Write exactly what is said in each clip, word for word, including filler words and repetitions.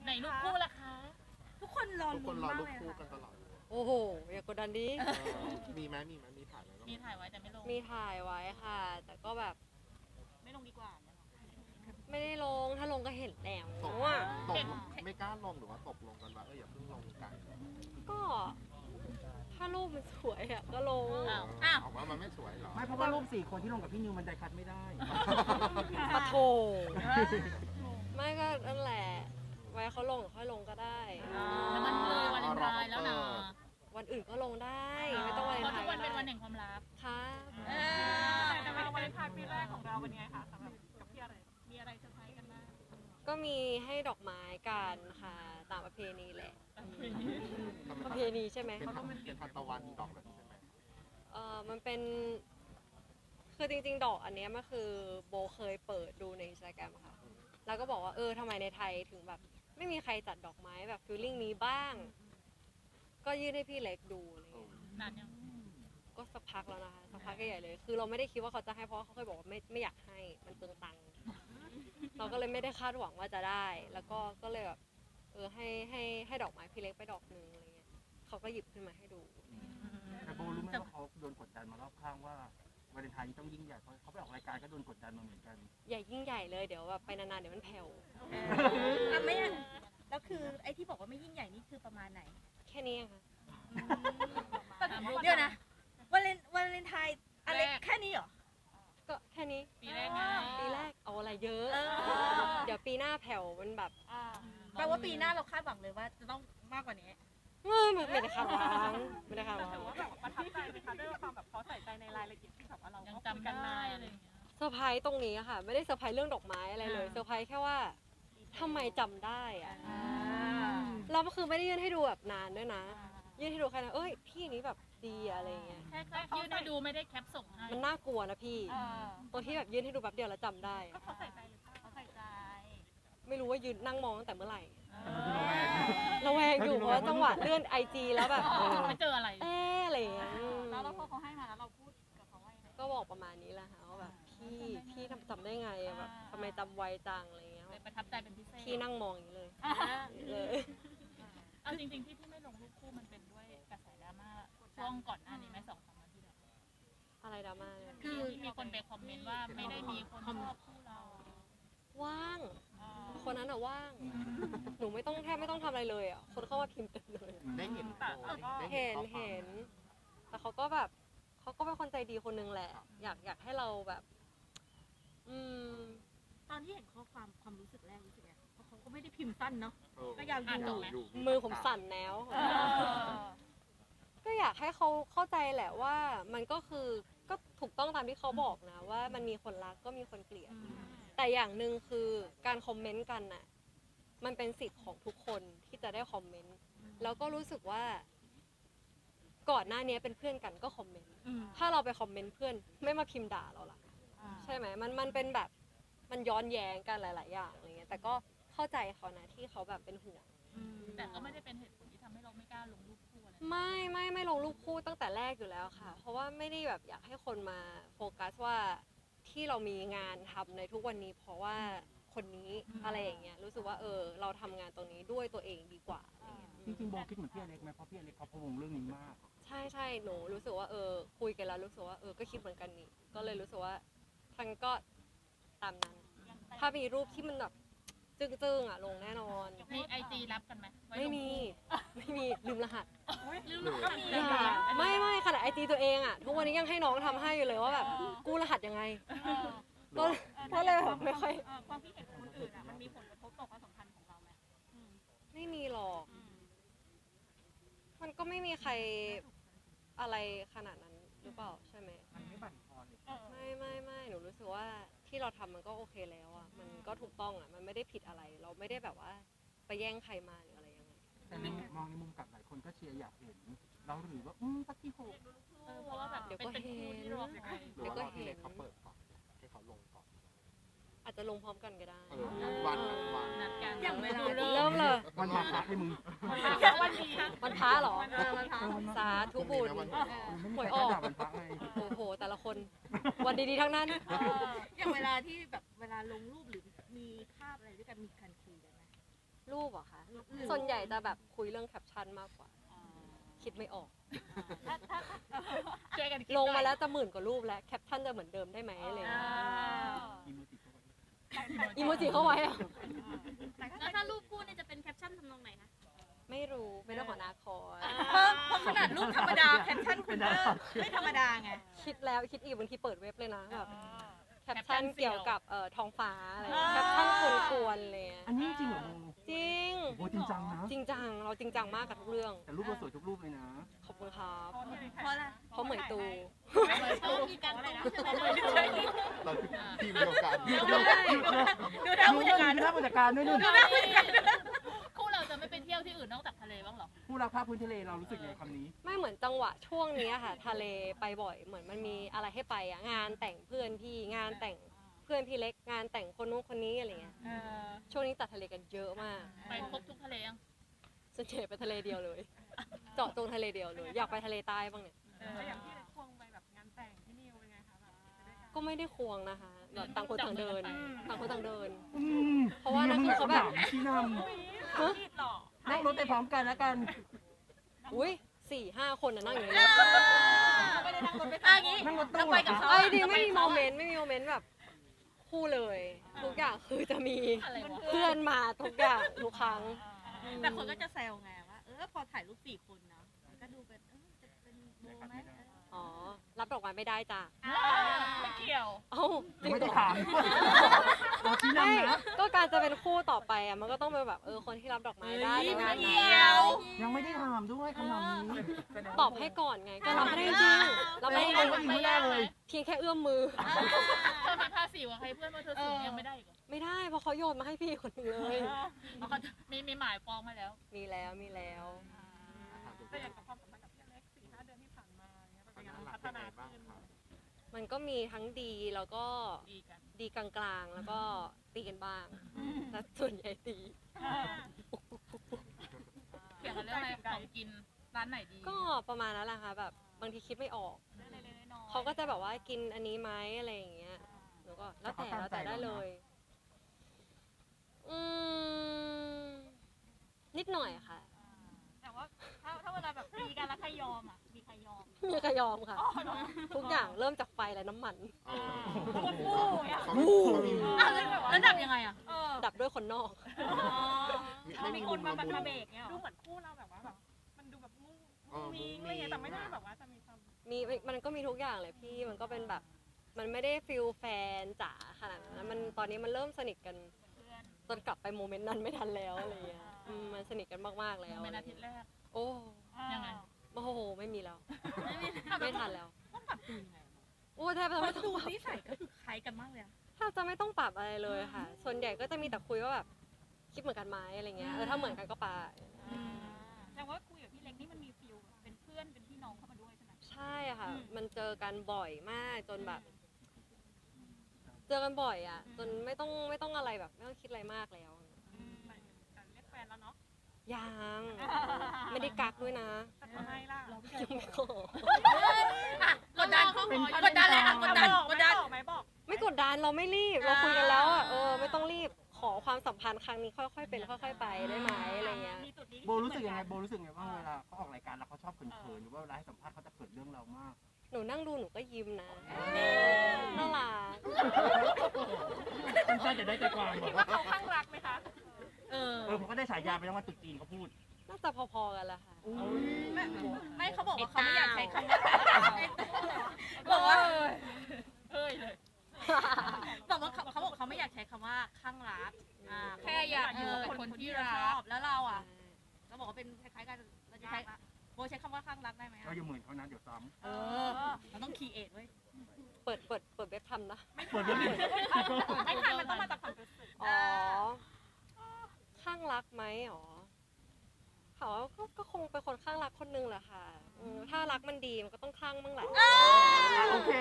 ไหนรูปคู่ล่ะคะทุกคนรอทุกคลุ้นนรอมากรูปเลยคู่ค่ะกันตลอดโอ้โหอย่ากดดันดิเออมีไหมมีไหมมีถ่ายแล้วมีถ่ายไว้แต่ไม่ลงมีถ่ายไว้ค่ะ แต่ก็แบบไม่ลงดีกว่าเนี่ยไม่ได้ลงถ้าลงก็เห็นแล้วตกว่าตกไม่กล้าลงหรือว่าตกลงกันว่าเอออย่าเพิ่งลงกันก็ ถ้ารูปมันสวยอะก็ลงอ้าวอ้าวเอาว่ามันไม่สวยหรอไม่เพราะว่ารูปสี่คนที่ลงกับพี่นิวมันไดคัดไม่ได้ปะโถไม่ก็นั่นแหละ ไว้เขาลงหรือค่อยลงก็ได้แล้วมันเลยวันเลนไทน์แล้วนะวันอื่นก็ลงได้ ไม่ต้องวันเลเพนราะไททุกวันน์ก็เป็นวันได้แห่งความรักครับเออแต่วันเลนไทน์ปีแรกของเราเป็นไงคะสำหรับกับพี่อะไรมีอะไรเซอร์ไพรส์กันบ้างก็มีให้ดอกไม้กันค่ะ ตามประเพณีแหละ ประเพณีใช่ไหมเป็นทานเป็นทานตะวันดอกแบบนี้ใช่ไหมเออมันเป็น คือจริงๆ ดอกอันเนี้ยมันคือโบเคยเปิดดูในอินสตาแกรมค่ะ แล้วก็บอกว่าเออทำไมในไทยถึงแบบ ไม่มีใครจัดดอกไม้แบบฟีลลิ่งนี้บ้าง ก็ยื่นให้พี่เล็กดูอะไรเงี้ยนานยังก็สักพักแล้วนะคะ สักพักใหญ่ๆเลย คือเราไม่ได้คิดว่าเขาจะให้เพราะว่าเขาเคยบอกว่าไม่ไม่อยากให้ มันเปลืองตังค์ เราก็เลยไม่ได้คาดหวังว่าจะได้ แล้วก็ก็เลยแบบเออให้ให้ให้ดอกไม้พี่เล็กไปดอกหนึ่งอะไรเงี้ยเขาก็หยิบขึ้นมาให้ดูแต่โบรู้ไหมว่าเขาโดนกดดันมารอบข้างว่าวาเลนไทน์นี้ต้องยิ่งใหญ่เพราะเขาไปออกรายการก็โดนกดดันมาเหมือนกันใหญ่ยิ่งใหญ่เลยเดี๋ยวแบบไปนานๆเดี๋ยวมันแผ่วอ่ะไม่อ่ะแล้วคือไอ้ที่บอกว่าไม่ยิ่งใหญ่นี่คือประมาณไหนแค่นี้เองค่ะเดี๋ยวนะวาเลนวาเลนไทน์อะไรแค่นี้เหรอก็แค่นี้ปีแรกไงปีแรกเอาอะไรเยอะเออเดี๋ยวปีหน้าแผ่วมันแบบแปลว่าปีหน้าเราคาดหวังเลยว่าจะต้องมากกว่านี้เออไม่ไม่ได้คาดหวังไม่ได้คาดหวังประทับใจไหมคะด้วยความแบบเขาใส่ใจในรายละเอียดที่แบบว่าเรายังก็จำกันได้อะไรอย่างเงี้ยเซอร์ไพรส์ตรงนี้อะค่ะ ไม่ได้เซอร์ไพรส์เรื่องดอกไม้อะไรเลยเซอร์ไพรส์แค่ว่าทำไมจำได้อะเราก็คือไม่ได้ยื่นให้ดูแบบนานด้วยนะ ยื่นให้ดูแค่นั้นเอ้ยพี่นี้แบบดีอะอะไรอย่างเงี้ยแค่แค่ยื่นให้ดูไม่ได้แคปส่งให้มันน่ากลัวนะพี่ตัวที่แบบยื่นให้ดูแป๊บเดียวแล้วจำได้อะเขาใส่ใจหรือเปล่าเขาใส่ใจไม่รู้ว่ายืนนั่งมองตั้งแต่เมื่อไหร่ระแวงอยู่เพราะว่าจังหวะเลื่อนไอจีแล้วแบบไม่เจออะไรเอ๊ะอะไรอย่างเงี้ยแล้วเราพอเขาให้มาแล้วเราพูดกับเขาว่ายังไงก็บอกประมาณนี้แหละค่ะว่าแบบพี่พี่ทำจำได้ไงอะแบบทำไมจำไวจังอะไรเงี้ยเลยประทับใจเป็นพิเศษพี่นั่งมองอย่างนี้เลยเลยเอาจริงๆที่ที่ไม่ลงรูปคู่มันเป็นด้วยกระแสดราม่าช่วงก่อนหน้านี้ไหมสองสามวันที่แล้วอะไรดราม่าเนี่ยคือมีคนไปคอมเมนต์ว่าไม่ได้มีคนชอบคู่เราว่าง คนนั้นอะว่าง หนูไม่ต้องแทบไม่ต้องทำอะไรเลยอะคนเข้ามาพิมพ์เต็มเลยได้เห็นโพสต์ได้เห็นข้อความเห็น แต่เขาก็แบบเขาก็เป็นคนใจดีคนนึงแหละ อยากอยากให้เราแบบ อืมตอนที่เห็นข้อความความรู้สึกแรกรู้สึกไงเพราะเขาก็ไม่ได้พิมพ์สั้นเนาะเออก็ยาวอยู่อยู่มือผมสั่นแล้ว ก็อยากให้เขาเข้าใจแหละว่ามันก็คือก็ถูกต้องตามที่เขาบอกนะ ว่ามันมีคนรักก็มีคนเกลียด แต่อย่างหนึ่งคือการคอมเมนต์กันน่ะมันเป็นสิทธิ์ของทุกคนที่จะได้คอมเมนต์แล้วก็รู้สึกว่าก่อนหน้านี้เป็นเพื่อนกันก็คอมเมนต์ถ้าเราไปคอมเมนต์เพื่อนไม่มาพิมพ์ด่าเราล่ะใช่ไหมมันมันเป็นแบบมันย้อนแย้งกันหลาย ๆ อย่างอะไรเงี้ยแต่ก็เข้าใจเขานะที่เขาแบบเป็นห่วงแต่ก็ไม่ได้เป็นเหตุผลที่ทำให้เราไม่กล้าลงรูปคู่อะไรไม่ไม่ไม่ลงรูปคู่ตั้งแต่แรกอยู่แล้วค่ะ เพราะว่าไม่ได้แบบอยากให้คนมาโฟกัสว่าที่เรามีงานทำในทุกวันนี้ เพราะว่าคนนี้อะไรอย่างเงี้ยรู้สึกว่าเออเราทำงานตรงนี้ด้วยตัวเองดีกว่าอะไรเงี้ยจริงๆโบคิดเหมือนพี่อเล็กไหมเพราะพี่อเล็กเขาพะวงเรื่องนี้มากใช่ใช่หนูรู้สึกว่าเออคุยกันแล้วรู้สึกว่าเออก็คิดเหมือนกันนี่ก็เลยรู้สึกว่าทั้งก็ตามนั้น ถ้ามีรูปที่มันแบบจึ้งๆอ่ะลงแน่นอนมีไอจีรับกันไหมว้ลไม่งมี ไม่มีลืมรหัสลืมก็มีอย่าไม่ไม่ขนาดไอจีตัวเองอ่ะทุกวันนี้ยังให้น้องทำให้อยู่เลยว่าแบบกู้รหัสยังไงก็ก็เลยแบบไม่ค่อยความคิดเห็นของคนอื่นอ่ะมันมีผลกระทบต่อความสัมพันธ์ของเราไหมไม่มีหรอก มันก็ไม่มีใครอะไรขนาดนั้นหรือเปล่าใช่ไหมมันไม่บั่นทอนเลยไม่ไม่ไม่หนูรู้สึกว่าที่เราทำมันก็โอเคแล้วอ่ะมันก็ถูกต้องอ่ะมันไม่ได้ผิดอะไร เราไม่ได้แบบว่าไปแย่งใครมาหรืออะไรยังไงแต่ในมองในมุมกลับหลายคนก็เชียร์อยากเห็น เราหรือว่าอืมสักที่หกเออเพราะว่าแบบเดี๋ยวเป็นก็เป็นเห็คู่นที่รอคอยหรือว่ารอพี่เล็กเขาเปิดก่อนให้เขาลงก่อนอาจจะลงพร้อมกันก็ได้เออวันวันนัดกันอย่างเวลาเริ่มเลยวันมาพักให้มึงวันนี้วันพระเหรอเออมันพาสาธุบุญวันหวยออกวันพระไงโอ้โหแต่ละคน วันดีๆทั้งนั้นอย่างเวลาที่แบบเวลาลงรูปหรือมีภาพอะไรด้วยกันมีการคุยกันไหมรูปปอะคะส่วนใหญ่จะแบบคุยเรื่องแคปชั่นมากกว่า คิดไม่ออกถ้าถ้าช่วยกันคิดลงหน่มาอยแล้วจะหมื่นกว่ารูปแล้วแคปชั่นจะเหมือนเดิมได้ไหมอะไรอย่างอ่าเงี้ยอีโมจิเข้าไปอีโมจิเข้าไว้อะแล้วถ้ารูปคู่นี่จะเป็นแคปชั่นทำนองไหนคะไม่รู้เป็นเรื่องของอนาคตเพราะเพราะขนาดรูปธรรมดาแคปชั่นคุณก็ไม่ธรรมดาไงคิดแล้วคิดอีกบางทีเปิดเว็บเลยนะแบบอ่าแคปชั่นเกี่ยวกับเอ่อท้องฟ้าอะไรอย่างเงี้ยแคปชั่นกวนๆเลยอะอันนี้จริงเหรอโบจริงโบจริงจังนะจริงจังเราจริงจังมากกับทุกเรื่องแต่รูปเราสวยทุกรูปเลยนะขอบคุณครับเพราะอะไรเพราะเหมยตูเพราะมีการตรงใช่ไหมเราทีมเดียวกันดูได้ดูได้ผู้จัดการดูหน้าผู้จัดการด้วยนู่นคู่เราจะไม่ไปเที่ยวที่อื่นนอกจากทะเลบ้างเหรอผู้รักภาพพื้นทะเลเรารู้สึกไงคำนี้ไม่เหมือนจังหวะช่วงนี้อะค่ะ ทะเลไปบ่อยเหมือนมันมีอะไรให้ไปอะงานแต่งเพื่อนพี่งานแต่งเพื่อนพี่เล็กงานแต่งคนนู้นคนนี้อะไรเงี้ยเออช่วงนี้ตัดทะเลกันเยอะมากไปครบทุกทะเลยังส่วนใหญ่ไปทะเลเดียวเลย เจาะจงทะเลเดียวเลย อยากไปทะเลใต้บ้างเนี่ยแต่อย่างที่ควงไปแบบงานแต่งที่นิวเป็นไงคะแบบไปด้วยกันก็ไม่ได้ควงนะคะแบบต่างคนต่างเดิน ต่างคนต่างเดินอืมเพราะว่านั่นคือเขาแบบชี้นฮะผิดหรอำนั่งรถไปพร้อมกันแล้วกันอุ้ยสี่ห้าคนน่ะนั่งอยู่ในรถไม่ได้นั่งรถไปอ่ะงี้นั่งรถตู้เราไปกับเขาไอ้ยดีไม่มีโมเมนต์ไม่มีโมเมนต์แบบคู่เลย ทุกอย่างคือจะมีอะไรวะเพื่อนมาทุกอย่างทุกครั้งแต่คนก็จะแซวไงว่า เออพอถ่ายรูปสี่คนเนาะมันก็ดูเป็นเออจะเป็นโบไหมเอออ๋อ รับดอกไม้ไม่ได้จ้ะไม่เกี่ยวเอ้าจริงไม่เหรได้อถามเราชี้ไม่นำนะก็การจะเป็นคู่ต่อไปอ่ะมันก็ต้องเป็นแบบเออคนที่รับดอกไม้ได้ในงานเดีนั้นยวยังไม่ได้ถามด้วยคำนำนี้ตอบให้ก่อนไง ก็รับไม่ได้จริงๆรับไม่ได้จริงไม่ไม่ได้เลยเพียงแค่เอื้อมมือเธอมีภาษีกับใครเพื่อนว่าเธอสูงยังไม่ได้อีกเหรอไม่ได้เพราะเขาโยนมาให้พี่คนหนึงเลยเอาเขามีมีหมายฟ้องมาแล้วมีแล้วมีแล้วแต่อย่างกับความสัมพันธ์กับพี่อเล็กสี่ห้าเดือนที่ผ่านมาเนี่ยมันเป็นยังไงหลัพักฒยังไงนาบ้างขึ้นครับมันก็มีทั้งดีแล้วก็ดีกันดีกลางๆ แล้วก็ตีกันบ้างแต่ส่วนใหญ่ตีเกี่ยวกับเรื่องอะไรของกินร้านไหนดีก็ประมาณนั้นแหละค่ะแบบบางทีคิดไม่ออกเรื่องเล็กๆน้อยๆเขาก็จะแบบว่ากินอันนี้ไหมอะไรอย่างเงี้ยหนูก็แล้วแต่แล้วแต่ได้เลย อืมนิดหน่อยค่ะแต่ว่าถ้าถ้าเวลาแบบตีกันแล้วใครยอมอ่ะ มีใครยอมมีใครยอมค่ะ ทุกอย่างเริ่มจากไฟและน้ำมันอ๋อคนฟูอ่ะเขาไม่เขามีอ้าวแล้วแล้วดับยังไงอ่ะ เออดับด้วยคนนอกไม่มีคนมาบันเบรกเนี่ยดูเหมือนคู่เราแบบว่าแบบมันดูแบบมุ้งเออมิงอะไรเงี้ยแต่ไม่ได้แบบว่าจะมีความมีมันก็มีทุกอย่างเลยพี่มันก็เป็นแบบ มันไม่ได้ฟิลแฟนจ๋าขนาดนั้นมันตอนนี้มันเริ่มสนิทกันจนกลับไปโมเมนต์นั้นไม่ทันแล้วอะไรเงี้ยอืมมันสนิทกันมากๆแล้วเป็นอาทิตย์แรกโอ้ยังไงโอ้โหไม่มีแล้ว ไม่ทันแล้วต้องปรับตัวยังไงโอ้แทบจะไม่ต้องดูปรับนิสัยก็คือคล้ายกันมากเลยอะแทบจะไม่ต้องปรับอะไรเลยค่ะ ส่วนใหญ่ก็จะมีแต่คุยว่าแบบคิดเหมือนกันไหมอะไรเงี้ยเออถ้าเหมือนกันก็ไปแต่ว่าคุยกับพี่เล็กนี่มันมีฟิลเป็นเพื่อนเป็นพี่น้องเข้ามาด้วยใช่ไหมใช่ค่ะ มันเจอกันบ่อยมากจนแบบ เจอกันบ่อยอ่ะ จนไม่ต้องไม่ต้องอะไรแบบ ไม่ต้องคิดอะไรมากแล้วแต่เรียกแฟนแล้วเนาะยังไม่ได้กักด้วยนะแต่ทำไมล่ะยังไม่ขอกดดันกดดันเลยอ่ะกดดันกดดันบอกไหมบอกไม่กดดันเราไม่รีบ เราคุยกันแล้วอ่ะเออไม่ต้องรีบขอความสัมพันธ์ครั้งนี้ค่อยๆเป็นค่อย ๆ ไปได้ไหมอะไรเงี้ยมีจุดนี้โบรู้สึกยังไงโบรู้สึกยังไงบ้างเวลาเขาออกรายการแล้วเขาชอบเขินๆหรือว่าเวลาให้สัมภาษณ์เขาจะเขินเรื่องเรามากหนูนั่งดูหนูก็ยิ้มนะน่ารักสั้นๆจะได้ใจความคิดว่าเขาข้างรักไหมคะเออเออผมก็ได้ฉายาไปแล้วว่าตุ๊จีนเขาพูดน่าจะพอๆกันแหละค่ะไม่ไม่เขาบอกว่าเขาไม่อยากใช้คำว่าบอกว่าเฮ้ยเลยบอกว่าเขาเขาบอกเขาไม่อยากใช้คำว่าข้างรักอ่าแค่อยากอยู่กับคนที่เราชอบแล้วเราอ่ะเราบอกว่าเป็นคล้ายๆกันเราจะใช้โบใช้คำว่าข้างรักได้ไหมเราอย่าเหมือนเขานะเดี๋ยวซ้เออเราต้องคีเอทไว้ยเปิดเปิดเปิดเว็บทำนะำเปิดเรื่องนี้ไม่ทันมันต้องมาจากความรู้สึกอ๋อ ข้างรักไหมอ๋อเขาก็ก็คงเป็นคนข้างรักคนนึงแหละค่ะอืมถ้ารักมันดีมันก็ต้องข้างบ้างแหละโอเค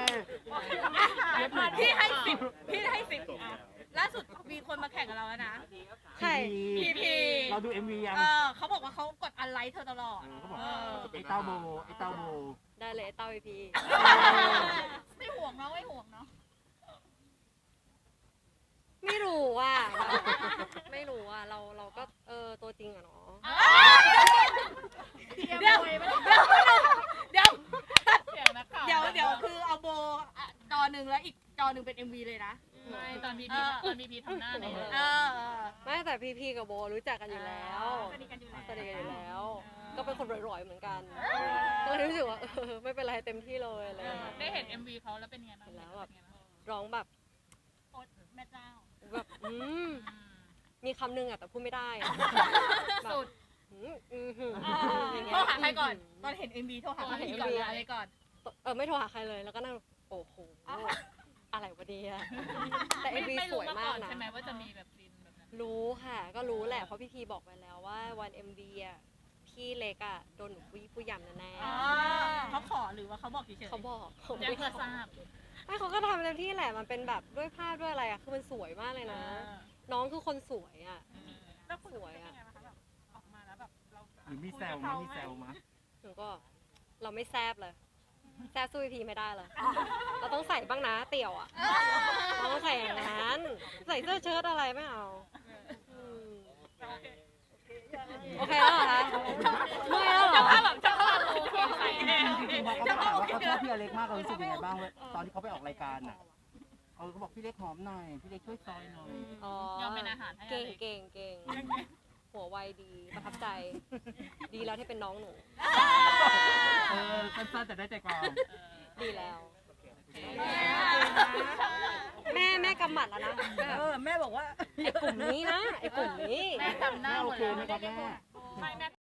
พี่ให้สิบพี่ให้สิบล่าสุดมีคนมาแข่งกับเราแล้วนะใช่พีพีเราดู เอ็ม วี ยังเออเขาบอกว่าเขากดอันไลค์เธอตลอดเออเขาบอกเออไอ้เต้าโบไอ้เต้าโบได้เลยเต้าไอพีไม่ห่วงเนาะไม่ห่วงเนาะไม่รู้อ่ะ ไม่รู้อ่ะ เราเราก็เอริงๆอะเนาะเดี๋ยวเดี๋ยวเสียงนักข่าวเดี๋ยวเดี๋ยวคือเอาโบอ่ะจอหนึ่งแล้วอีกจอหนึ่งเป็น เอ็ม วี เลยนะไม่ตอนพีพีตอนพีพีทำหน้าเนี่ยเออเออไม่แต่พีพีกับโบรู้จักกันอยู่แล้วสนิทกันอยู่แล้วสนิทกันอยู่แล้ว ก็เป็นคนร่อยๆเหมือนกันก็เลยรู้สึกว่าเออไม่เป็นไรเต็มที่เลยอะไรอย่างเงี้ยได้เห็น เอ็ม วี เขาแล้วเป็นไงบ้างแล้วแบบเป็นไงบ้างร้องแบบโอ๊ตแม่เจ้าแบบอืมอืมมีคำหนึงอะแต่พูดไม่ได้อะแบบสุดอืมอืมหืมอ่าอย่างเงี้โทรยหาใครก่อน ตอนเห็น เอ็ม วี โทรหาใครเห็นก่อนเอ็มวีอะไรก่อนเออไม่โทรหาใครเลยแล้วก็นั่งโอ้โหอะไรวะเนี่ยแต่เอ็ไม่มวีไม่สรู้วยมามาก่กอนนะใช่ไหมว่าจะมีแบบซีนแบบนั้นรู้ค่ะ ก็รู้แหละเพราะพี่พีบอกไปแล้วว่าวัน เอ็ม วี อ่ะพี่เล็กอ่ะโดนหนูผู้ผู้ยำแน่อ๋อเขาขอหรือว่าเขาบอกเฉยๆๆเขาบอกเขาแจ้งเพื่อทราบไม่เขาก็ทำเต็มที่แหละมันเป็นแบบด้วยภาพด้วยอะไรอ่ะคือมันสวยมากเลยนะ น้องคือคนสวยอ่ะแล้วคุณสวยเป็นอะยังไงบ้างคะแบบออกมาแล้วแบบเราหรือมีแซวมั้ยมีแซวมั้ยหนูก็เราไม่แซบเลยแซบสู้พี่พีไม่ได้เลยเราต้องใส่บ้างนะเตี่ยวอ่ะเราต้องใส่อย่างนั้นใส่เสื้อเชิ้ตอะไรไม่เอามโอเคโอเคแล้วเหรอคะเมื่อยแล้วเหรอแบบเจ้าภาพโอเคใส่แน่จริงๆพอเขาถามว่าเขาชอบพี่อเล็กมากเรารู้สึกยังไงบ้างเว้ยตอนที่เขาไปออกรายการอ่ะเออเขาบอกพี่เล็กหอมหน่อยพี่เล็กช่วยซอยหน่อยอ๋อยอมเป็นอาหารให้เก่งอะไรเก่งเก่งหัวไวดีประทับใจ ดีแล้วที่เป็นน้องหนูเออสั้นๆแต่ได้ใจความดีแล้ว แม่แม่กำหมัดแล้วนะเออ แม่บอกว่าไอ้กลุ่มนี้นะไอ้กลุ่มนี้แม่จำหน้าหมโอดเคเลยไหมครับแม่ไม่แม่